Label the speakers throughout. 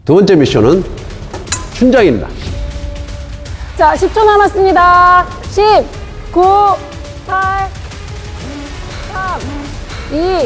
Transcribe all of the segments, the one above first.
Speaker 1: 두 번째 미션은 춘장입니다.
Speaker 2: 자, 10초 남았습니다. 10, 9, 8, 3, 2, 1.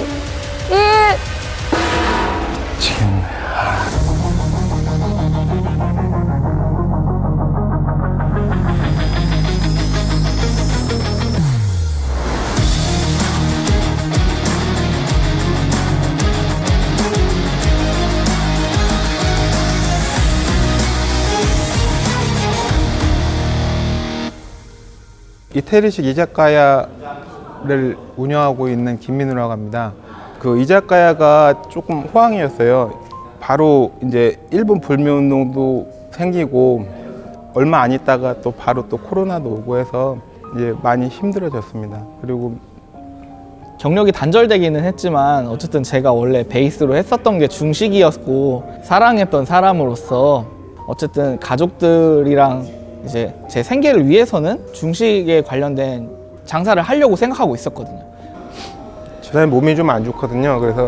Speaker 3: 이태리식 이자카야를 운영하고 있는 김민우라고 합니다. 그 이자카야가 조금 호황이었어요. 바로 이제 일본 불매운동도 생기고 얼마 안 있다가 또 바로 또 코로나도 오고 해서 이제 많이 힘들어졌습니다. 그리고
Speaker 4: 경력이 단절되기는 했지만 어쨌든 제가 원래 베이스로 했었던 게 중식이었고 사랑했던 사람으로서 어쨌든 가족들이랑 이제 제 생계를 위해서는 중식에 관련된 장사를 하려고 생각하고 있었거든요.
Speaker 3: 저는 몸이 좀 안 좋거든요. 그래서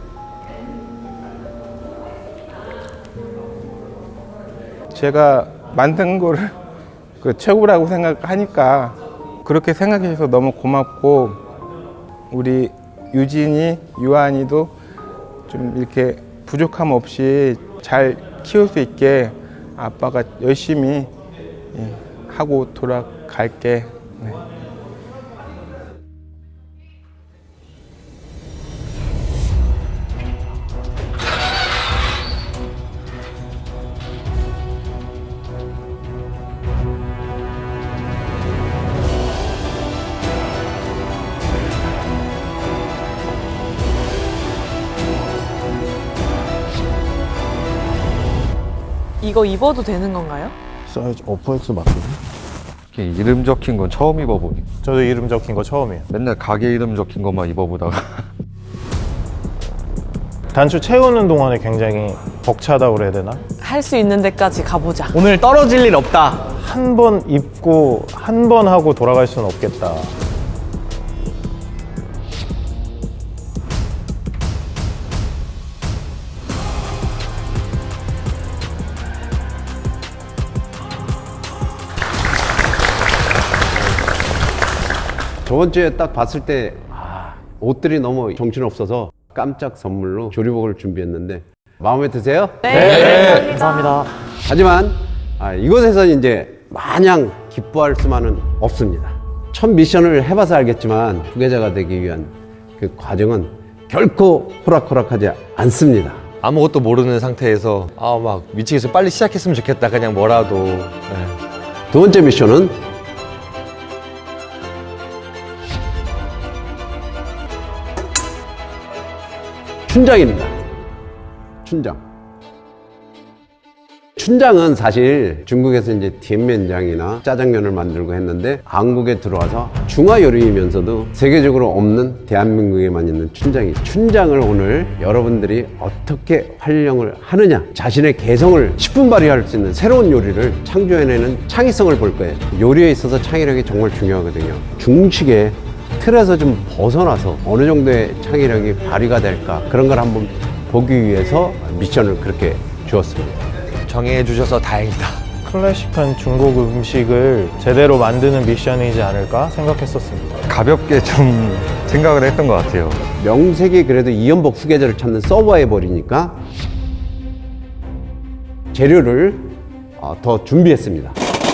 Speaker 3: 제가 만든 거를 그 최고라고 생각하니까 그렇게 생각해 주셔서 너무 고맙고, 우리 유진이, 유한이도 좀 이렇게 부족함 없이 잘 키울 수 있게 아빠가 열심히 하고 돌아갈게. 네.
Speaker 5: 이거 입어도 되는 건가요?
Speaker 6: 사이즈 오퍼엑스 맞거든?
Speaker 7: 이렇게 이름 적힌 건 처음 입어보니.
Speaker 6: 저도 이름 적힌 거 처음이에요.
Speaker 7: 맨날 가게 이름 적힌 것만 입어보다가.
Speaker 6: 단추 채우는 동안에 굉장히 벅차다고 그래야 되나?
Speaker 5: 할 수 있는 데까지 가보자.
Speaker 4: 오늘 떨어질 일 없다.
Speaker 6: 한 번 입고 한 번 하고 돌아갈 수는 없겠다.
Speaker 1: 저번 주에 딱 봤을 때 옷들이 너무 정신없어서 깜짝 선물로 조리복을 준비했는데 마음에 드세요?
Speaker 5: 네. 감사합니다.
Speaker 1: 하지만 이곳에서 이제 마냥 기뻐할 수만은 없습니다. 첫 미션을 해봐서 알겠지만 후계자가 되기 위한 그 과정은 결코 호락호락하지 않습니다.
Speaker 8: 아무것도 모르는 상태에서 막 미치겠어, 빨리 시작했으면 좋겠다, 그냥 뭐라도. 네.
Speaker 1: 두 번째 미션은 춘장입니다. 춘장. 춘장은 사실 중국에서 이제 디엔면장이나 짜장면을 만들고 했는데 한국에 들어와서 중화 요리이면서도 세계적으로 없는 대한민국에만 있는 춘장이, 춘장을 오늘 여러분들이 어떻게 활용을 하느냐, 자신의 개성을 10분 발휘할 수 있는 새로운 요리를 창조해내는 창의성을 볼 거예요. 요리에 있어서 창의력이 정말 중요하거든요. 중식의 틀에서 좀 벗어나서 어느 정도의 창의력이 발휘가 될까, 그런 걸 한번 보기 위해서 미션을 그렇게 주었습니다.
Speaker 8: 정해주셔서 다행이다.
Speaker 6: 클래식한 중국 음식을 제대로 만드는 미션이지 않을까 생각했었습니다.
Speaker 7: 가볍게 좀 생각을 했던 것 같아요.
Speaker 1: 명색이 그래도 이연복 후계자를 찾는 서버해버리니까 재료를 더 준비했습니다.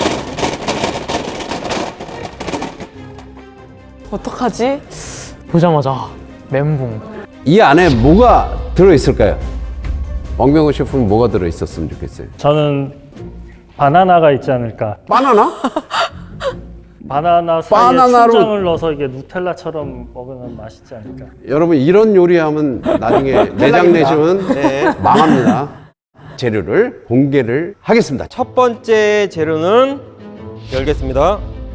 Speaker 5: 어떡하지?
Speaker 9: 보자마자 멘붕.
Speaker 1: 이 안에 뭐가 들어있을까요? 왕병호 셰프는 뭐가 들어있었으면 좋겠어요?
Speaker 10: 저는 바나나가 있지 않을까.
Speaker 1: 바나나?
Speaker 10: 바나나 사이에
Speaker 1: 바나나로-
Speaker 10: 춘장을 넣어서 이게 누텔라처럼 먹으면 맛있지 않을까.
Speaker 1: 여러분, 이런 요리하면 나중에 내장 내시면 망합니다. 재료를 공개를 하겠습니다.
Speaker 8: 첫 번째 재료는 열겠습니다.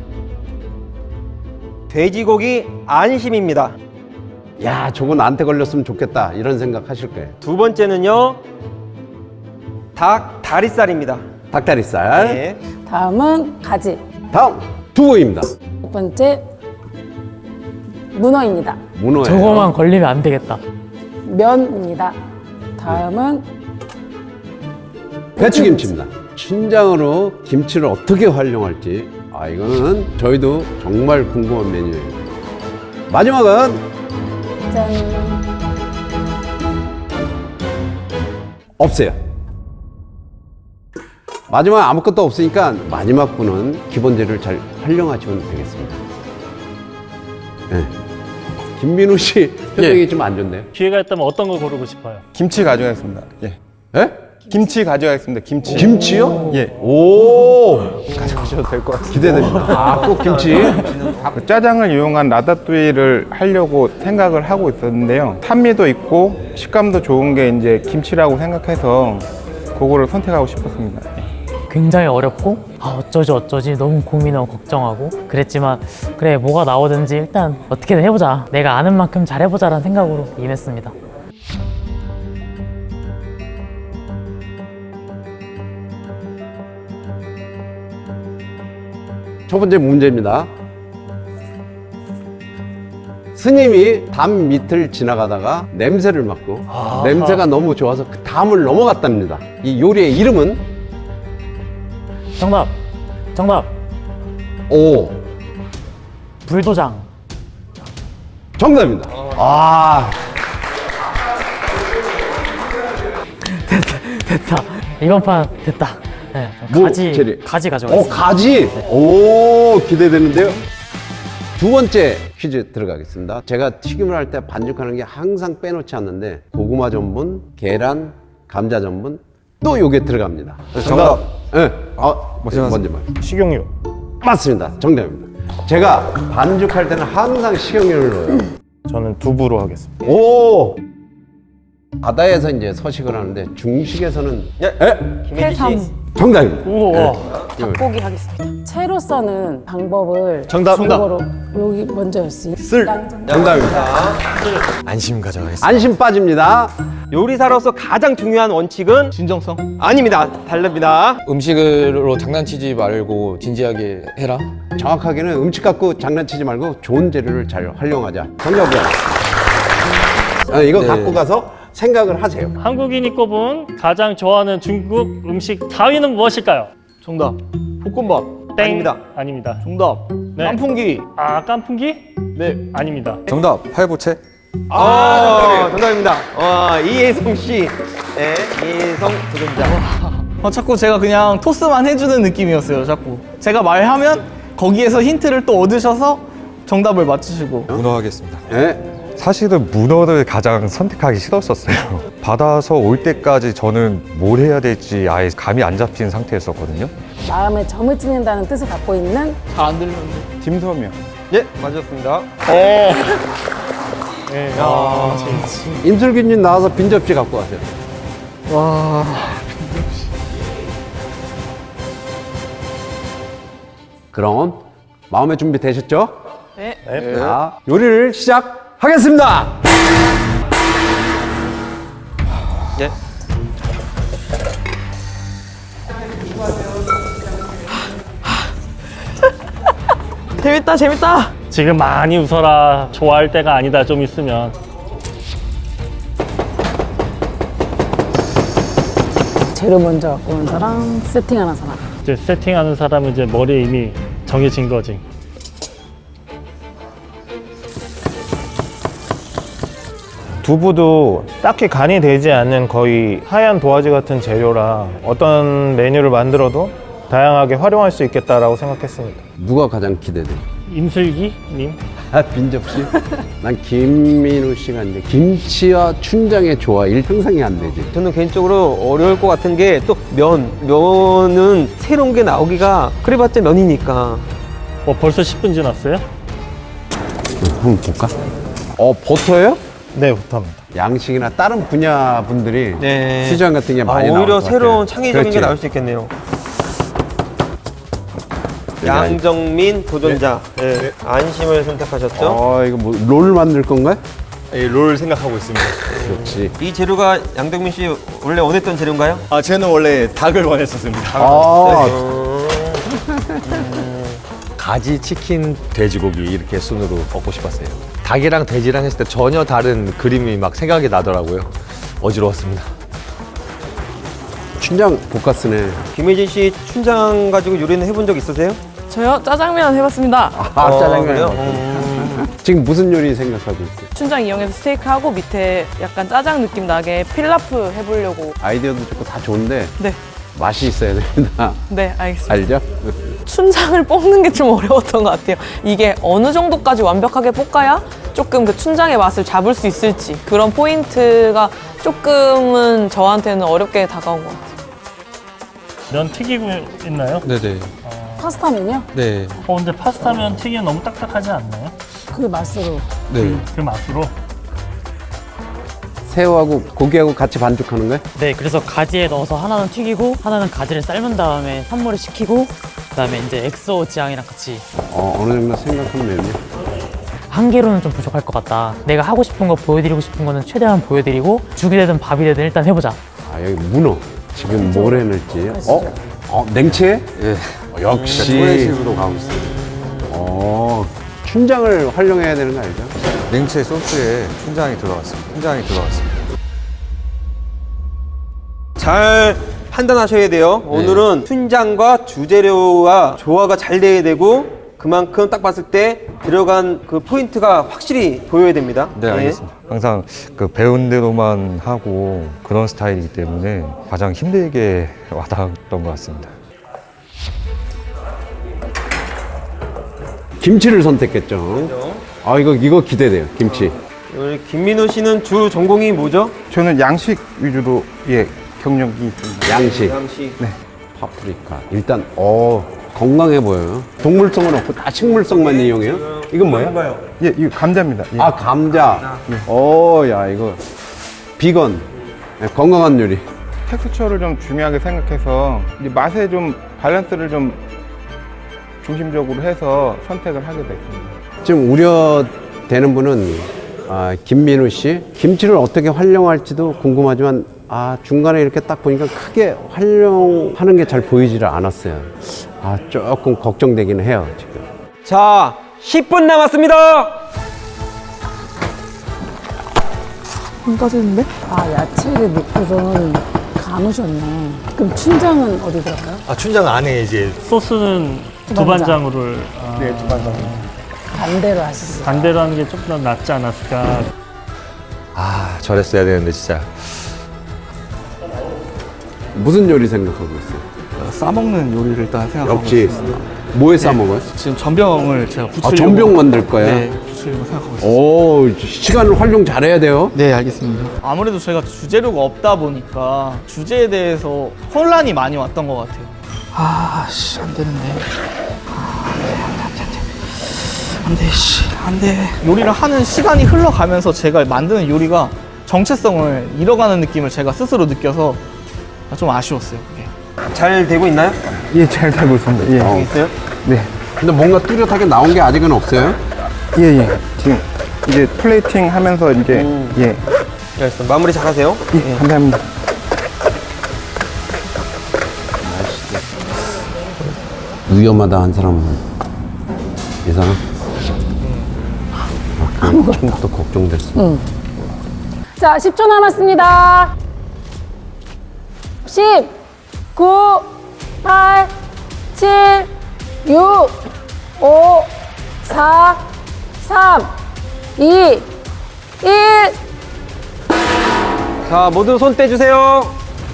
Speaker 8: 돼지고기 안심입니다.
Speaker 1: 야, 저거 나한테 걸렸으면 좋겠다, 이런 생각 하실 거예요.
Speaker 8: 두 번째는요, 닭 다리살입니다.
Speaker 1: 닭다리살.
Speaker 8: 네.
Speaker 2: 다음은 가지.
Speaker 1: 다음 두부입니다.
Speaker 2: 첫 번째, 문어입니다.
Speaker 1: 문어예요.
Speaker 9: 저거만 걸리면 안 되겠다.
Speaker 2: 면입니다. 다음은
Speaker 1: 배추김치입니다. 춘장으로 김치를 어떻게 활용할지 이거는 저희도 정말 궁금한 메뉴예요. 마지막은
Speaker 2: 짠.
Speaker 1: 없어요. 마지막 아무것도 없으니까 마지막 분은 기본 재료를 잘 활용하시면 되겠습니다. 네. 김민우 씨 표정이 좀 안 좋네요.
Speaker 10: 기회가 있다면 어떤 거 고르고 싶어요?
Speaker 3: 김치 가져가겠습니다. 예.
Speaker 1: 예?
Speaker 3: 김치 가져가겠습니다. 김치.
Speaker 1: 김치요?
Speaker 3: 예.
Speaker 1: 오,
Speaker 3: 가져가셔도 될 것 같습니다.
Speaker 1: 기대됩니다. 꼭 김치.
Speaker 3: 그 짜장을 이용한 라따뚜이를 하려고 생각을 하고 있었는데요. 산미도 있고 식감도 좋은 게 이제 김치라고 생각해서 그거를 선택하고 싶었습니다.
Speaker 9: 굉장히 어렵고 어쩌지 너무 고민하고 걱정하고 그랬지만 그래 뭐가 나오든지 일단 어떻게든 해보자. 내가 아는 만큼 잘해보자라는 생각으로 임했습니다.
Speaker 1: 첫 번째 문제입니다. 스님이 담 밑을 지나가다가 냄새를 맡고 냄새가 너무 좋아서 그 담을 넘어갔답니다. 이 요리의 이름은?
Speaker 9: 정답
Speaker 1: 오,
Speaker 9: 불도장.
Speaker 1: 정답입니다.
Speaker 9: 됐다. 이번 판 됐다. 네,
Speaker 1: 뭐, 재료?
Speaker 9: 가지 가져가겠습니다.
Speaker 1: 가지. 오, 기대되는데요. 두 번째 퀴즈 들어가겠습니다. 제가 튀김을 할 때 반죽하는 게 항상 빼놓지 않는데 고구마 전분, 계란, 감자 전분 또 요게 들어갑니다.
Speaker 6: 정답.
Speaker 1: 네. 먼저 말.
Speaker 6: 식용유.
Speaker 1: 맞습니다. 정답입니다. 제가 반죽할 때는 항상 식용유를 넣어요.
Speaker 6: 저는 두부로 하겠습니다.
Speaker 1: 오. 바다에서 이제 서식을 하는데 중식에서는
Speaker 5: 해삼.
Speaker 1: 정답입니다.
Speaker 10: 우와.
Speaker 5: 닭고기 하겠습니다.
Speaker 2: 채로 써는 방법을
Speaker 8: 정답.
Speaker 2: 정보로 여기 먼저였어요.
Speaker 1: 정답입니다.
Speaker 8: 안심 가져가겠습니다.
Speaker 1: 안심 빠집니다.
Speaker 11: 요리사로서 가장 중요한 원칙은
Speaker 4: 진정성.
Speaker 11: 아닙니다. 다릅니다.
Speaker 8: 음식으로 장난치지 말고 진지하게 해라.
Speaker 1: 정확하게는 음식 갖고 장난치지 말고 좋은 재료를 잘 활용하자. 정답이야. 이거
Speaker 8: 네.
Speaker 1: 갖고 가서 생각을 하세요.
Speaker 10: 한국인이 꼽은 가장 좋아하는 중국 음식 4위는 무엇일까요?
Speaker 4: 정답. 볶음밥.
Speaker 10: 땡.
Speaker 11: 아닙니다.
Speaker 10: 아닙니다.
Speaker 4: 정답.
Speaker 10: 네.
Speaker 4: 깐풍기.
Speaker 10: 깐풍기?
Speaker 4: 네.
Speaker 10: 아닙니다.
Speaker 7: 정답 팔보채.
Speaker 11: 정답입니다. 이혜성 씨. 네, 이혜성 도전자.
Speaker 4: 자꾸 제가 그냥 토스만 해주는 느낌이었어요. 자꾸 제가 말하면 거기에서 힌트를 또 얻으셔서 정답을 맞추시고.
Speaker 7: 문어하겠습니다.
Speaker 1: 네.
Speaker 7: 사실은 문어를 가장 선택하기 싫었었어요. 받아서 올 때까지 저는 뭘 해야 될지 아예 감이 안 잡힌 상태였었거든요.
Speaker 2: 마음에 점을 찍는다는 뜻을 갖고 있는
Speaker 4: 잘 안 들리는데.
Speaker 3: 딤섬이요.
Speaker 11: 예, 맞았습니다.
Speaker 1: 임슬기님 나와서 빈 접시 갖고 가세요. 그럼 마음의 준비 되셨죠?
Speaker 5: 네.
Speaker 1: 자, 요리를 시작하겠습니다.
Speaker 11: 예.
Speaker 5: 재밌다.
Speaker 10: 지금 많이 웃어라. 좋아할 때가 아니다. 좀 있으면.
Speaker 2: 재료 먼저 갖고 오는 사람, 세팅하는 사람.
Speaker 10: 이제 세팅하는 사람은 이제 머리에 이미 정해진 거지.
Speaker 6: 두부도 딱히 간이 되지 않는 거의 하얀 도화지 같은 재료라 어떤 메뉴를 만들어도 다양하게 활용할 수 있겠다라고 생각했습니다.
Speaker 1: 누가 가장 기대돼?
Speaker 10: 임슬기님?
Speaker 1: 빈 접시? 난 김민우 씨가 이제 김치와 춘장의 조화일 상상이 안 되지.
Speaker 11: 저는 개인적으로 어려울 것 같은 게 또 면은 새로운 게 나오기가 그래봤자 면이니까.
Speaker 10: 벌써 10분 지났어요?
Speaker 1: 한번 볼까? 버터예요?
Speaker 6: 네, 부탁합니다.
Speaker 1: 양식이나 다른 분야 분들이
Speaker 11: 네.
Speaker 1: 퓨전 같은 게 많이 나올
Speaker 11: 오히려
Speaker 1: 것 같아요.
Speaker 11: 새로운 창의적인 게
Speaker 1: 그렇지.
Speaker 11: 나올 수 있겠네요. 양정민 도전자. 네. 안심을 선택하셨죠?
Speaker 1: 이거 뭐 롤 만들 건가요?
Speaker 8: 롤 생각하고 있습니다.
Speaker 1: 그렇지.
Speaker 11: 이 재료가 양정민 씨 원래 원했던 재료인가요?
Speaker 8: 쟤는 원래 닭을 원했었습니다. 가지, 치킨, 돼지고기 이렇게 순으로 먹고 싶었어요. 닭이랑 돼지랑 했을 때 전혀 다른 그림이 막 생각이 나더라고요. 어지러웠습니다.
Speaker 1: 춘장 볶았으네.
Speaker 11: 김혜진 씨 춘장 가지고 요리는 해본 적 있으세요?
Speaker 5: 저요? 짜장면 해봤습니다.
Speaker 1: 짜장면.
Speaker 11: 그래요?
Speaker 1: 지금 무슨 요리 생각하고 있어요?
Speaker 5: 춘장 이용해서 스테이크하고 밑에 약간 짜장 느낌 나게 필라프 해보려고.
Speaker 1: 아이디어도 좋고 다 좋은데
Speaker 5: 네.
Speaker 1: 맛이 있어야 됩니다.
Speaker 5: 네, 알겠습니다.
Speaker 1: 알죠?
Speaker 5: 춘장을 볶는 게 좀 어려웠던 것 같아요. 이게 어느 정도까지 완벽하게 볶아야 조금 그 춘장의 맛을 잡을 수 있을지 그런 포인트가 조금은 저한테는 어렵게 다가온 것 같아요.
Speaker 10: 면 튀기고 있나요?
Speaker 8: 네네.
Speaker 2: 파스타면요?
Speaker 8: 네.
Speaker 10: 근데 파스타면 튀기면 너무 딱딱하지 않나요?
Speaker 2: 그 맛으로.
Speaker 8: 네.
Speaker 10: 그 맛으로.
Speaker 1: 새우하고 고기하고 같이 반죽하는 거예요?
Speaker 9: 네, 그래서 가지에 넣어서 하나는 튀기고 하나는 가지를 삶은 다음에 산물에 식히고 그다음에 이제 엑소 지향이랑 같이.
Speaker 1: 어느 정도 생각하면 되네요.
Speaker 9: 한 개로는 좀 부족할 것 같다. 내가 하고 싶은 거 보여드리고 싶은 거는 최대한 보여드리고 죽이 되든 밥이 되든 일단 해보자.
Speaker 1: 여기 문어. 지금 뭘 해낼지. 냉채? 예. 역시. 토레식으로 가고 있어요. 춘장을 활용해야 되는 거 알죠?
Speaker 7: 냉채 소스에 춘장이 들어갔습니다.
Speaker 11: 잘 판단하셔야 돼요. 오늘은 춘장과 주재료와 조화가 잘 돼야 되고 그만큼 딱 봤을 때 들어간 그 포인트가 확실히 보여야 됩니다.
Speaker 7: 네, 알겠습니다. 항상 그 배운 대로만 하고 그런 스타일이기 때문에 가장 힘들게 와닿았던 것 같습니다.
Speaker 1: 김치를 선택했죠. 이거 기대돼요. 김치.
Speaker 11: 우리 김민호 씨는 주 전공이 뭐죠?
Speaker 3: 저는 양식 위주로 경력이 있습니다.
Speaker 1: 양식.
Speaker 11: 네.
Speaker 1: 파프리카. 일단 건강해 보여요. 동물성은 없고 다 식물성만 이용해요. 이건 뭐예요?
Speaker 3: 예, 이거 감자입니다. 예.
Speaker 1: 감자. 야 이거 비건. 건강한 요리.
Speaker 3: 텍스처를 좀 중요하게 생각해서 이제 맛에 좀 밸런스를 좀 중심적으로 해서 선택을 하게 됐습니다.
Speaker 1: 지금 우려되는 분은 김민우 씨. 김치를 어떻게 활용할지도 궁금하지만 중간에 이렇게 딱 보니까 크게 활용하는 게 잘 보이지를 않았어요. 조금 걱정되긴 해요, 지금.
Speaker 11: 자, 10분 남았습니다.
Speaker 5: 안 까지는데?
Speaker 2: 야채를 넣고서는 감으셨네. 그럼 춘장은 어디 들어가요?
Speaker 8: 춘장 안에 이제
Speaker 10: 소스는 두반장으로.
Speaker 3: 네, 두반장.
Speaker 2: 반대로 하시죠.
Speaker 10: 반대로 하는 게 조금 더 낫지 않았을까.
Speaker 8: 저랬어야 되는데 진짜.
Speaker 1: 무슨 요리 생각하고 있어요?
Speaker 4: 싸먹는 요리를 일단 생각하고
Speaker 1: 역시
Speaker 4: 있습니다.
Speaker 1: 뭐에 싸먹어요?
Speaker 4: 지금 전병을 제가 부치려고.
Speaker 1: 전병 만들 거야?
Speaker 4: 네, 부치려고 생각하고 있습니다.
Speaker 1: 시간을 활용 잘해야 돼요.
Speaker 4: 네, 알겠습니다. 아무래도 저희가 주재료가 없다 보니까 주제에 대해서 혼란이 많이 왔던 것 같아요. 안 되는데. 안 돼. 요리를 하는 시간이 흘러가면서 제가 만드는 요리가 정체성을 잃어가는 느낌을 제가 스스로 느껴서 좀 아쉬웠어요, 그게.
Speaker 11: 잘 되고 있나요?
Speaker 3: 예, 잘 되고 있습니다. 예.
Speaker 11: 있어요?
Speaker 3: 네.
Speaker 1: 근데 뭔가 뚜렷하게 나온 게 아직은 없어요.
Speaker 3: 예. 지금 이제 플레이팅 하면서 이제 예.
Speaker 11: 알겠습니다. 마무리 잘하세요.
Speaker 3: 예, 감사합니다.
Speaker 1: 위험하다 한 사람은 이 사람? 처음부터 걱정됐어.
Speaker 2: 자, 10초 남았습니다. 10, 9, 8, 7, 6, 5, 4, 3, 2, 1.
Speaker 11: 자, 모두 손 떼주세요.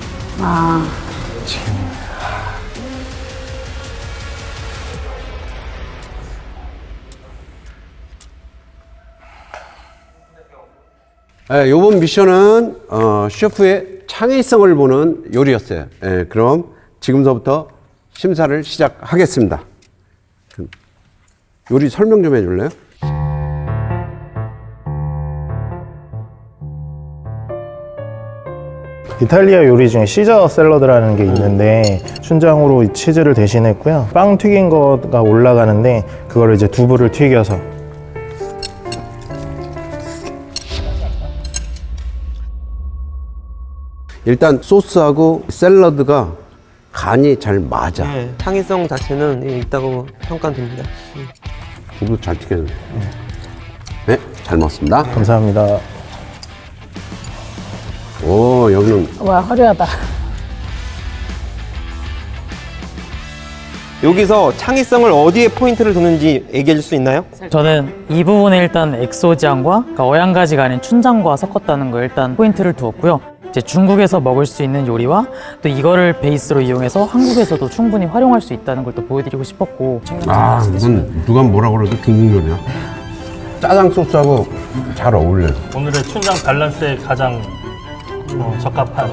Speaker 1: 이번 미션은 셰프의 창의성을 보는 요리였어요. 그럼 지금서부터 심사를 시작하겠습니다. 요리 설명 좀 해줄래요?
Speaker 6: 이탈리아 요리 중에 시저 샐러드라는 게 있는데 춘장으로 치즈를 대신했고요. 빵 튀긴 거가 올라가는데 그거를 이제 두부를 튀겨서.
Speaker 1: 일단 소스하고 샐러드가 간이 잘 맞아.
Speaker 11: 창의성 자체는 있다고 평가됩니다.
Speaker 1: 두부 잘 튀겼네. 네, 잘 먹었습니다.
Speaker 6: 감사합니다.
Speaker 1: 오, 여기는
Speaker 2: 와, 화려하다.
Speaker 11: 여기서 창의성을 어디에 포인트를 두는지 얘기해 줄 수 있나요?
Speaker 9: 저는 이 부분에 일단 엑소지안과 그러니까 어양가지가 아닌 춘장과 섞었다는 거 일단 포인트를 두었고요. 이제 중국에서 먹을 수 있는 요리와 또 이거를 베이스로 이용해서 한국에서도 충분히 활용할 수 있다는 걸 또 보여드리고 싶었고.
Speaker 1: 아, 이건 누가 뭐라 그래도 중국 요리야. 짜장 소스하고 잘 어울려요.
Speaker 10: 오늘의 춘장 밸런스에 가장 적합한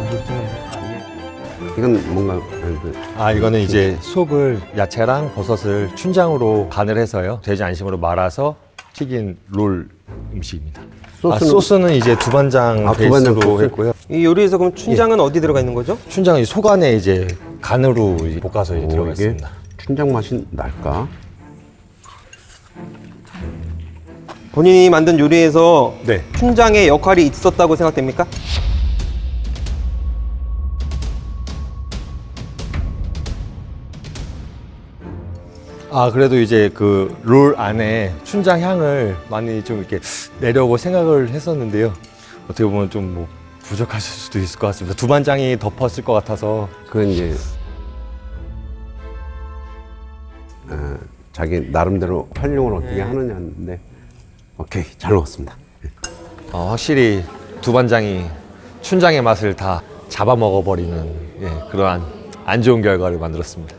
Speaker 1: 이건 뭔가
Speaker 8: 아, 이거는 이제 속을 야채랑 버섯을 춘장으로 간을 해서요. 돼지 안심으로 말아서 튀긴 롤 음식입니다. 소스는 이제 두반장
Speaker 1: 두반장
Speaker 8: 베이스로
Speaker 1: 소스?
Speaker 8: 했고요.
Speaker 11: 이 요리에서 그럼 춘장은 어디 들어가 있는 거죠?
Speaker 8: 춘장은 속 안에 이제 간으로 이제 볶아서 이제 들어가
Speaker 1: 이게
Speaker 8: 있습니다.
Speaker 1: 춘장 맛이 날까?
Speaker 11: 본인이 만든 요리에서
Speaker 8: 네.
Speaker 11: 춘장의 역할이 있었다고 생각됩니까?
Speaker 8: 아, 그래도 이제 그 롤 안에 춘장 향을 많이 좀 이렇게 내려고 생각을 했었는데요. 어떻게 보면 좀 뭐 부족하실 수도 있을 것 같습니다. 두반장이 덮었을 것 같아서.
Speaker 1: 그건 이제 자기 나름대로 활용을 어떻게 하느냐인데 오케이, 잘 먹었습니다.
Speaker 8: 확실히 두반장이 춘장의 맛을 다 잡아먹어버리는 그러한 안 좋은 결과를 만들었습니다.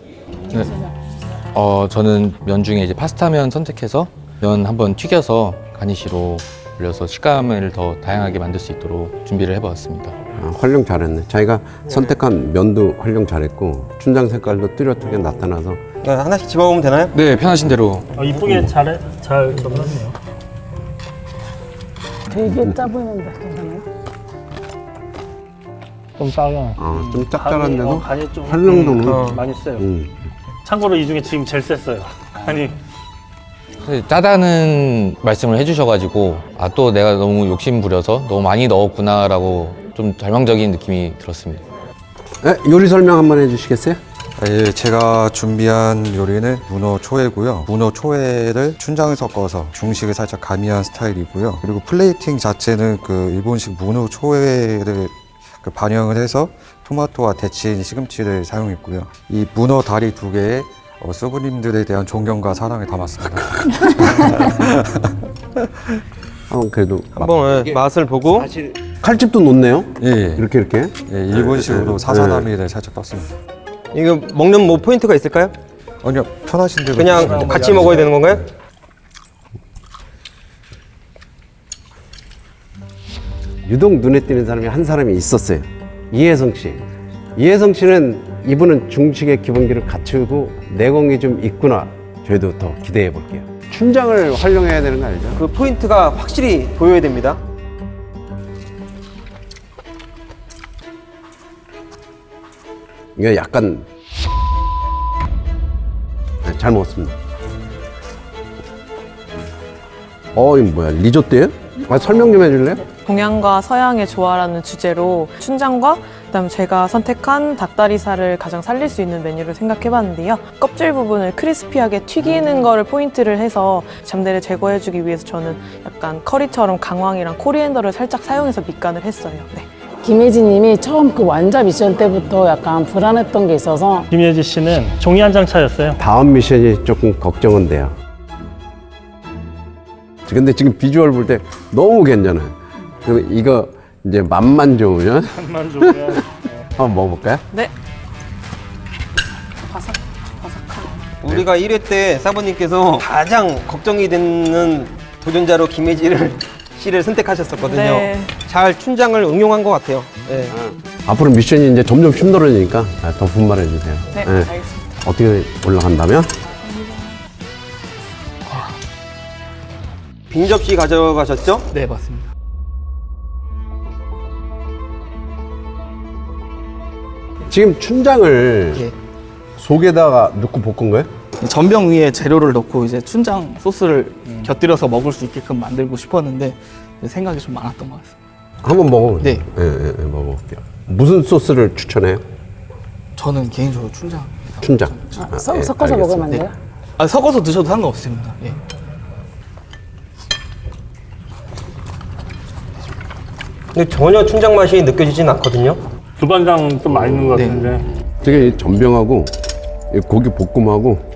Speaker 12: 저는 면 중에 이제 파스타면 선택해서 면 한번 튀겨서 가니쉬로 올려서 식감을 더 다양하게 만들 수 있도록 준비를 해보았습니다.
Speaker 1: 활용 잘했네. 자기가 선택한 면도 활용 잘했고 춘장 색깔도 뚜렷하게 나타나서.
Speaker 11: 하나씩 집어보면 되나요?
Speaker 12: 네, 편하신 대로.
Speaker 10: 이쁘게 잘 넣었네요.
Speaker 2: 되게 짜 보이는데 괜찮아요?
Speaker 10: 좀 짜요.
Speaker 1: 좀 짭짤한데도
Speaker 10: 간이 좀
Speaker 1: 활용도는
Speaker 10: 많이 세요. 참고로 이 중에 지금 제일 셌어요. 아니,
Speaker 12: 짜다는 말씀을 해주셔가지고 또 내가 너무 욕심 부려서 너무 많이 넣었구나라고 좀 절망적인 느낌이 들었습니다.
Speaker 1: 요리 설명 한번 해주시겠어요?
Speaker 7: 예, 제가 준비한 요리는 문어 초회고요. 문어 초회를 춘장을 섞어서 중식을 살짝 가미한 스타일이고요. 그리고 플레이팅 자체는 그 일본식 문어 초회를 반영을 해서 토마토와 데친 시금치를 사용했고요. 이 문어 다리 2개에 수부님들에 대한 존경과 사랑을 담았습니다.
Speaker 1: 그래도
Speaker 11: 한번 맛을 보고.
Speaker 1: 칼집도 놓네요.
Speaker 7: 예,
Speaker 1: 이렇게.
Speaker 7: 예, 일본식으로 사사나미를 살짝 떴습니다.
Speaker 11: 이거 먹는 뭐 포인트가 있을까요?
Speaker 7: 아니요, 편하신 대로
Speaker 11: 그냥
Speaker 7: 드시면
Speaker 11: 같이 먹어야 되는 건가요?
Speaker 1: 유독 눈에 띄는 사람이 한 사람이 있었어요. 이혜성 씨. 이혜성 씨는 이분은 중식의 기본기를 갖추고 내공이 좀 있구나. 저희도 더 기대해 볼게요. 춘장을 활용해야 되는 거 알죠?
Speaker 11: 그 포인트가 확실히 보여야 됩니다.
Speaker 1: 이게 약간 잘 먹었습니다. 이거 뭐야? 리조또예요? 설명 좀 해줄래요?
Speaker 5: 동양과 서양의 조화라는 주제로 춘장과 그다음 제가 선택한 닭다리살을 가장 살릴 수 있는 메뉴를 생각해봤는데요. 껍질 부분을 크리스피하게 튀기는 거를 포인트를 해서 잡내를 제거해주기 위해서 저는 약간 커리처럼 강황이랑 코리앤더를 살짝 사용해서 밑간을 했어요. 네.
Speaker 2: 김혜지 님이 처음 그 완자 미션 때부터 약간 불안했던 게 있어서
Speaker 10: 김예지 씨는 종이 한 장 차였어요.
Speaker 1: 다음 미션이 조금 걱정은 돼요. 근데 지금 비주얼 볼 때 너무 괜찮아요. 그리고 이거 이제 맛만 좋으면
Speaker 10: 맛만 좋으면
Speaker 1: 한번 먹어볼까요?
Speaker 5: 네.
Speaker 11: 우리가 1회 때 사부님께서 가장 걱정이 되는 도전자로 김혜지 씨를 선택하셨었거든요.
Speaker 5: 네.
Speaker 11: 잘 춘장을 응용한 것 같아요. 네.
Speaker 1: 앞으로 미션이 이제 점점 힘들어지니까 더 분발해 주세요.
Speaker 5: 네, 알겠습니다.
Speaker 1: 어떻게 올라간다면?
Speaker 11: 빈 접시 가져가셨죠?
Speaker 4: 네, 맞습니다.
Speaker 1: 지금 춘장을
Speaker 4: 예.
Speaker 1: 속에다가 넣고 볶은 거예요?
Speaker 4: 전병 위에 재료를 넣고 이제 춘장 소스를 곁들여서 먹을 수 있게끔 만들고 싶었는데 생각이 좀 많았던 것 같습니다.
Speaker 1: 한번 먹어보세요.
Speaker 4: 네.
Speaker 1: 예, 먹어볼게요. 무슨 소스를 추천해요?
Speaker 4: 저는 개인적으로 춘장.
Speaker 1: 춘장.
Speaker 2: 섞어서 먹으면 안 돼요?
Speaker 4: 섞어서 드셔도 상관없습니다. 예.
Speaker 11: 근데 전혀 춘장 맛이 느껴지진 않거든요.
Speaker 10: 두반장 좀 많이 넣은 것 같은데.
Speaker 1: 되게 전병하고 이 고기 볶음하고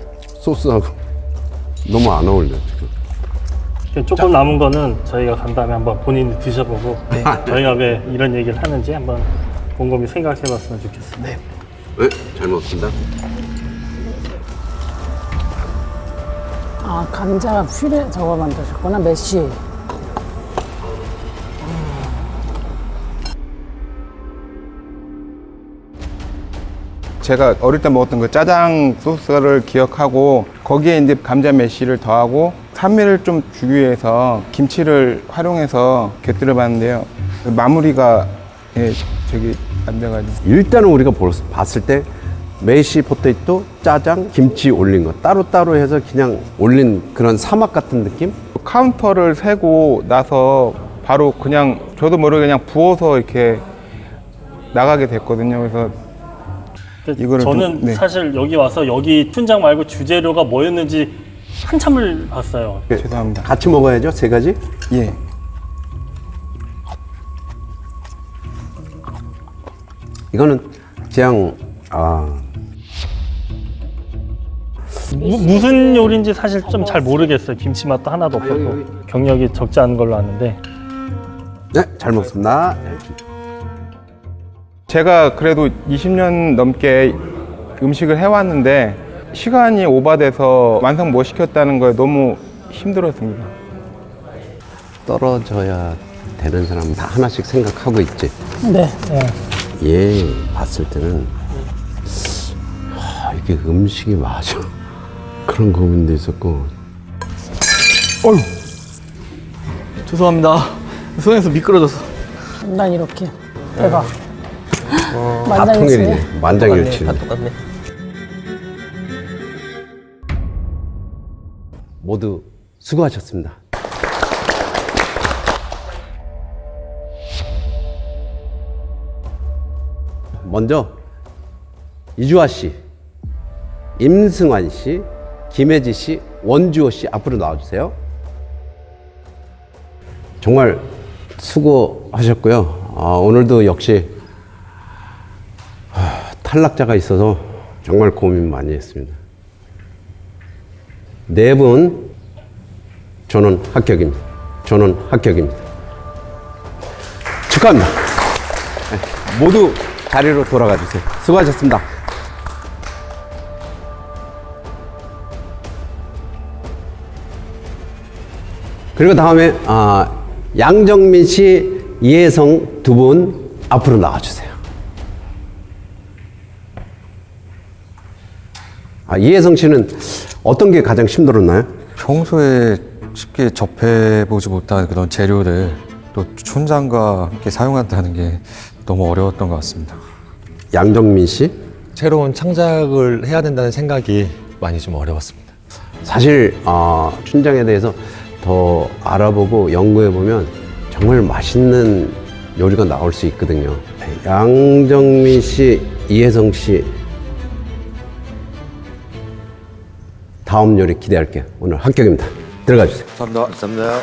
Speaker 1: 소스하고 너무 안 어울려 지금.
Speaker 10: 조금 남은 거는 저희가 간 다음에 한번 본인이 드셔보고 저희가 왜 이런 얘기를 하는지 한번 곰곰이 생각해봤으면 좋겠습니다.
Speaker 1: 네, 잘 먹습니다.
Speaker 2: 아, 감자 퓨레 저거 만드셨구나, 메쉬.
Speaker 3: 제가 어릴 때 먹었던 그 짜장 소스를 기억하고 거기에 이제 감자 메쉬를 더하고 산미를 좀 주기 위해서 김치를 활용해서 곁들여 봤는데요. 마무리가 저기 안 돼가지고.
Speaker 1: 일단은 우리가 봤을 때 메시 포테이토, 짜장, 김치 올린 거 따로따로 해서 그냥 올린 그런 사막 같은 느낌?
Speaker 3: 카운터를 세고 나서 바로 그냥 저도 모르게 그냥 부어서 이렇게 나가게 됐거든요. 그래서 이거를
Speaker 10: 저는
Speaker 3: 좀, 네.
Speaker 10: 사실 여기 와서 여기 춘장 말고 주재료가 뭐였는지 한참을 봤어요.
Speaker 3: 죄송합니다.
Speaker 1: 같이 먹어야죠, 세 가지?
Speaker 3: 예.
Speaker 1: 이거는 그냥
Speaker 10: 무슨 요리인지 사실 좀 잘 모르겠어요. 김치 맛도 하나도 없었고 경력이 적지 않은 걸로 아는데.
Speaker 1: 네, 잘 먹습니다.
Speaker 3: 제가 그래도 20년 넘게 음식을 해왔는데 시간이 오바돼서 완성 못 시켰다는 거에 너무 힘들었습니다.
Speaker 1: 떨어져야 되는 사람은 다 하나씩 생각하고 있지.
Speaker 2: 네.
Speaker 1: 얘 봤을 때는 이게 음식이 맞아. 그런 부분도 있었고.
Speaker 4: 죄송합니다. 손에서 미끄러져서.
Speaker 2: 난 이렇게. 대박.
Speaker 1: 다 통일이네. 만장일치.
Speaker 11: 다 똑같네.
Speaker 1: 모두 수고하셨습니다. 먼저 이주아 씨, 임승환 씨, 김혜지 씨, 원주호 씨 앞으로 나와주세요. 정말 수고하셨고요. 오늘도 역시 탈락자가 있어서 정말 고민 많이 했습니다. 네 분 저는 합격입니다. 저는 합격입니다. 축하합니다. 네, 모두 자리로 돌아가 주세요. 수고하셨습니다. 그리고 다음에 양정민 씨, 이혜성 두 분 앞으로 나와주세요. 이혜성 씨는 어떤 게 가장 힘들었나요?
Speaker 7: 평소에 쉽게 접해보지 못한 그런 재료를 또 춘장과 함께 사용한다는 게 너무 어려웠던 것 같습니다.
Speaker 1: 양정민 씨?
Speaker 8: 새로운 창작을 해야 된다는 생각이 많이 좀 어려웠습니다.
Speaker 1: 사실 춘장에 대해서 더 알아보고 연구해보면 정말 맛있는 요리가 나올 수 있거든요. 양정민 씨, 이혜성 씨 다음 요리 기대할게요. 오늘 합격입니다. 들어가 주세요.
Speaker 11: 감사합니다.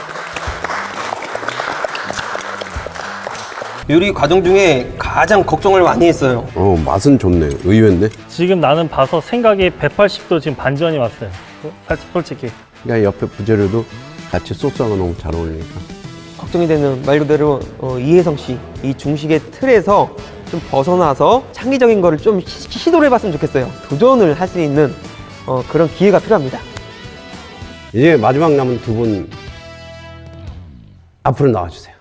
Speaker 11: 요리 과정 중에 가장 걱정을 많이 했어요.
Speaker 1: 맛은 좋네요. 의외인데?
Speaker 10: 지금 나는 봐서 생각이 180도 지금 반전이 왔어요. 솔직히.
Speaker 1: 그러니까 옆에 부재료도 같이 소스하고 너무 잘 어울리니까.
Speaker 11: 걱정이 되는 말 그대로 이혜성 씨, 이 중식의 틀에서 좀 벗어나서 창의적인 거를 좀 시도를 해봤으면 좋겠어요. 도전을 할 수 있는 그런 기회가 필요합니다.
Speaker 1: 이제 마지막 남은 두 분 앞으로 나와주세요.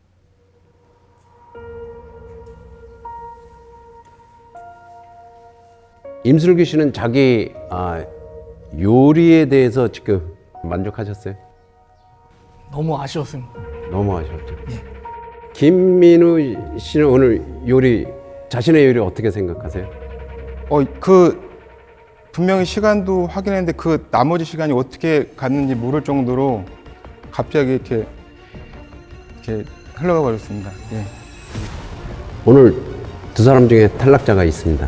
Speaker 1: 임슬기 씨는 자기 요리에 대해서 지금 만족하셨어요?
Speaker 4: 너무 아쉬웠습니다.
Speaker 1: 너무 아쉬웠죠. 김민우 씨는 오늘 요리, 자신의 요리 어떻게 생각하세요?
Speaker 3: 분명히 시간도 확인했는데 그 나머지 시간이 어떻게 갔는지 모를 정도로 갑자기 이렇게 흘러가 버렸습니다. 예.
Speaker 1: 오늘 두 사람 중에 탈락자가 있습니다.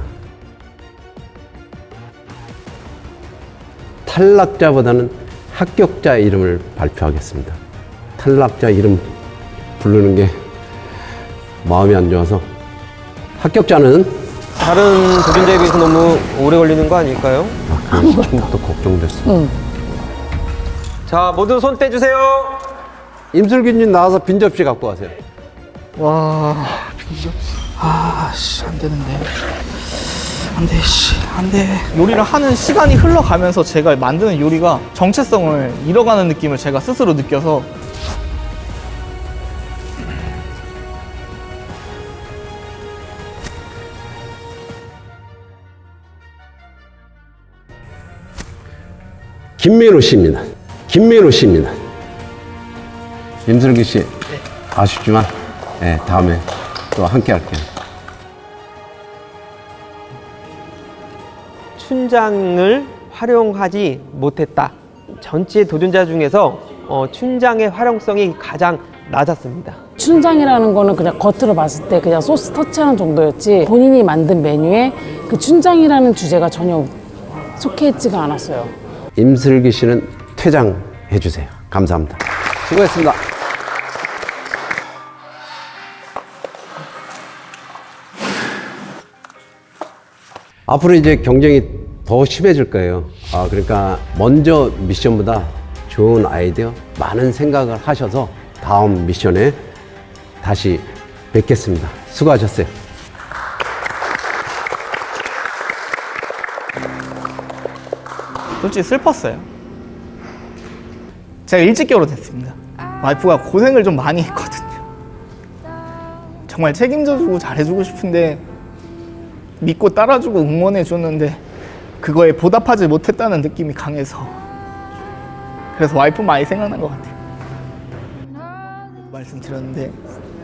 Speaker 1: 탈락자보다는 합격자 이름을 발표하겠습니다. 탈락자 이름 부르는 게 마음이 안 좋아서 합격자는
Speaker 11: 다른 도전자에 비해서 너무 오래 걸리는 거 아닐까요?
Speaker 1: 처음부터 걱정됐어.
Speaker 11: 자, 모두 손 떼주세요.
Speaker 1: 임슬기님 나와서 빈 접시 갖고 가세요.
Speaker 4: 와, 안 되는데. 안 돼, 안 돼. 요리를 하는 시간이 흘러가면서 제가 만드는 요리가 정체성을 잃어가는 느낌을 제가 스스로 느껴서
Speaker 1: 김민호 씨입니다. 김민호 씨입니다. 임슬기 씨, 아쉽지만 다음에 또 함께 할게요.
Speaker 11: 춘장을 활용하지 못했다. 전체 도전자 중에서 춘장의 활용성이 가장 낮았습니다.
Speaker 2: 춘장이라는 거는 그냥 겉으로 봤을 때 그냥 소스 터치하는 정도였지 본인이 만든 메뉴에 그 춘장이라는 주제가 전혀 속해 있지가 않았어요.
Speaker 1: 임슬기 씨는 퇴장해 주세요. 감사합니다. 수고했습니다. 앞으로 이제 경쟁이 더 심해질 거예요. 그러니까 먼저 미션보다 좋은 아이디어, 많은 생각을 하셔서 다음 미션에 다시 뵙겠습니다. 수고하셨어요.
Speaker 4: 솔직히 슬펐어요. 제가 일찍 결혼했습니다. 와이프가 고생을 좀 많이 했거든요. 정말 책임져주고 잘해주고 싶은데 믿고 따라주고 응원해줬는데 그거에 보답하지 못했다는 느낌이 강해서 그래서 와이프 많이 생각난 것 같아요. 말씀드렸는데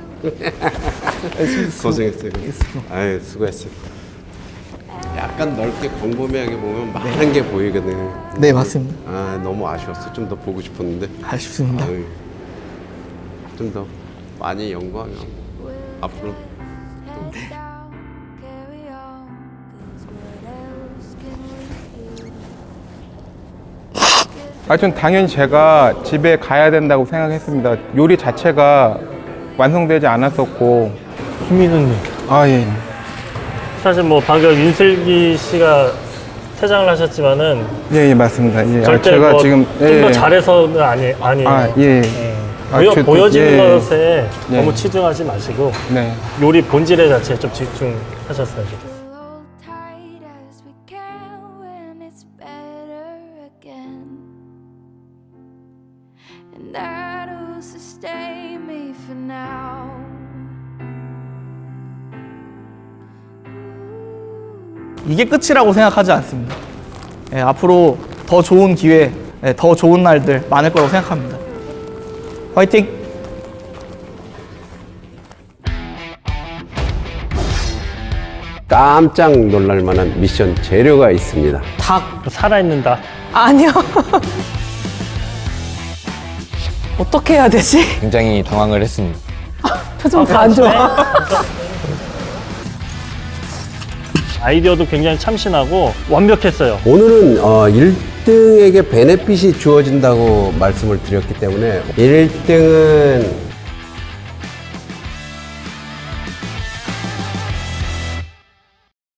Speaker 1: 고생했어요. 아유, 수고했어요. 약간 넓게 광범위하게 보면 많은 게 보이거든.
Speaker 4: 네, 맞습니다.
Speaker 1: 너무 아쉬웠어. 좀 더 보고 싶었는데.
Speaker 4: 아쉽습니다.
Speaker 1: 좀 더 많이 연구하면 앞으로
Speaker 3: 하여튼 당연히 제가 집에 가야 된다고 생각했습니다. 요리 자체가 완성되지 않았었고.
Speaker 10: 김민호님.
Speaker 3: 예.
Speaker 10: 사실 뭐 방금 임슬기 씨가 퇴장을 하셨지만은
Speaker 3: 예, 맞습니다. 예.
Speaker 10: 절대
Speaker 3: 제가
Speaker 10: 뭐
Speaker 3: 지금
Speaker 10: 좀 더 잘해서는 아니에요.
Speaker 3: 예.
Speaker 10: 보여지는
Speaker 3: 예.
Speaker 10: 것에
Speaker 3: 예.
Speaker 10: 너무 치중하지 마시고
Speaker 3: 네.
Speaker 10: 요리 본질에 자체에 좀 집중하셨어요. 좋겠어요.
Speaker 4: 이게 끝이라고 생각하지 않습니다. 앞으로 더 좋은 기회, 더 좋은 날들 많을 거라고 생각합니다. 화이팅!
Speaker 1: 깜짝 놀랄 만한 미션 재료가 있습니다.
Speaker 5: 닭.
Speaker 10: 살아있는 닭.
Speaker 5: 아니요. 어떻게 해야 되지?
Speaker 12: 굉장히 당황을 했습니다.
Speaker 2: 표정 다 안 좋아.
Speaker 10: 아이디어도 굉장히 참신하고 완벽했어요.
Speaker 1: 오늘은 1등에게 베네핏이 주어진다고 말씀을 드렸기 때문에 1등은